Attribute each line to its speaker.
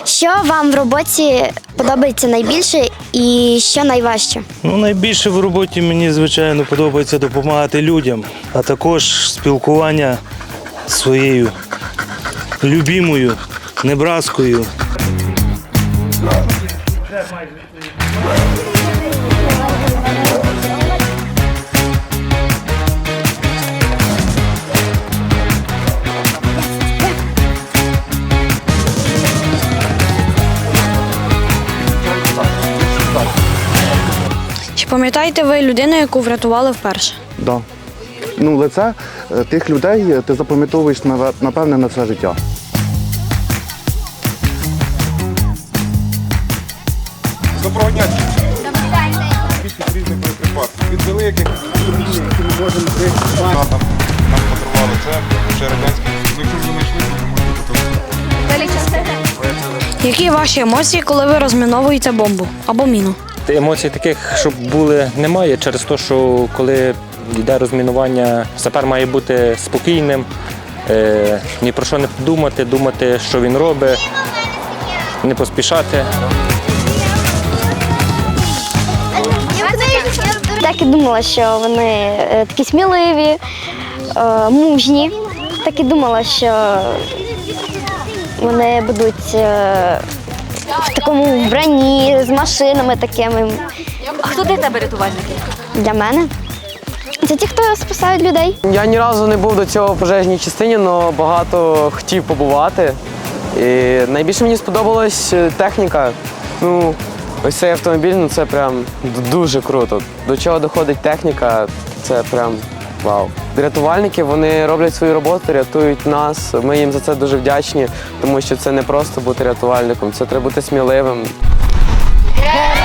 Speaker 1: Що вам в роботі подобається найбільше і що найважче?
Speaker 2: Найбільше в роботі мені, звичайно, подобається допомагати людям, а також спілкування з своєю любимою Небраскою.
Speaker 3: Чи пам'ятаєте ви людину, яку врятували вперше?
Speaker 4: Да. Лице тих людей ти запам'ятовуєш, напевне, на все життя.
Speaker 5: Доброго дня. Від різних боєприпасів. Від великих, які ми можемо нам подарували. Це ще радянські. Якщо ви знайшли, то можете потім.
Speaker 3: Які ваші емоції, коли ви розміновуєте бомбу або міну?
Speaker 6: Емоцій таких, щоб були, немає, через те, що коли йде розмінування, сапер має бути спокійним, ні про що не думати, що він робить, не поспішати.
Speaker 1: Так і думала, що вони такі сміливі, мужні. Так і думала, що вони будуть в такому вбранні, з машинами такими.
Speaker 7: А хто для тебе рятувальники?
Speaker 1: Для мене. Це ті, хто спасають людей.
Speaker 8: Я ні разу не був до цього в пожежній частині, але багато хотів побувати. І найбільше мені сподобалась техніка. Ось цей автомобіль, це прям дуже круто. До чого доходить техніка, це прям вау. Рятувальники, вони роблять свою роботу, рятують нас. Ми їм за це дуже вдячні, тому що це не просто бути рятувальником, це треба бути сміливим.